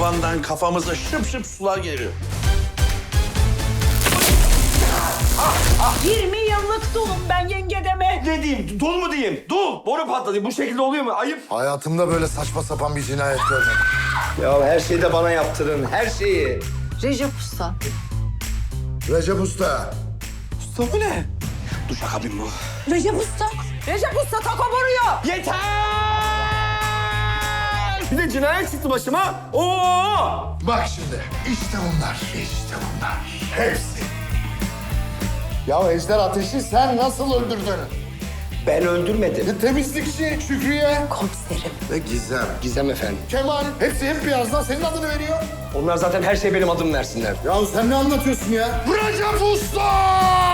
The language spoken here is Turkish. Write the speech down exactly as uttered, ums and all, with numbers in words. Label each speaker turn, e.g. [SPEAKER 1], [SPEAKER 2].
[SPEAKER 1] tavandan kafamıza şıp şıp sular geliyor.
[SPEAKER 2] yirmi yıllık dulum ben yenge deme.
[SPEAKER 3] Ne diyeyim? Dul mu diyeyim? Dul. Boru patladı. Bu şekilde oluyor mu? Ayıp.
[SPEAKER 4] Hayatımda böyle saçma sapan bir cinayet görmedim.
[SPEAKER 3] Ya her şeyi de bana yaptırın. Her şeyi.
[SPEAKER 2] Recep Usta.
[SPEAKER 4] Recep Usta.
[SPEAKER 3] Usta bu ne? Duşakabin bu.
[SPEAKER 2] Recep Usta. Recep Usta taco vuruyor.
[SPEAKER 3] Yeter! Bir de cinayet çıktı başıma. Oo!
[SPEAKER 4] Bak şimdi. İşte bunlar. İşte bunlar. Hepsi. Ya Ejder Ateş'i sen nasıl öldürdün?
[SPEAKER 3] Ben öldürmedim.
[SPEAKER 4] E, temizlikçi Şükrü'ye.
[SPEAKER 2] Komiserim.
[SPEAKER 4] Ve Gizem.
[SPEAKER 3] Gizem efendim.
[SPEAKER 4] Kemal. Hepsi hep birazdan senin adını veriyor.
[SPEAKER 3] Onlar zaten her şeye benim adımı versinler.
[SPEAKER 4] Ya sen ne anlatıyorsun ya? Recep Usta!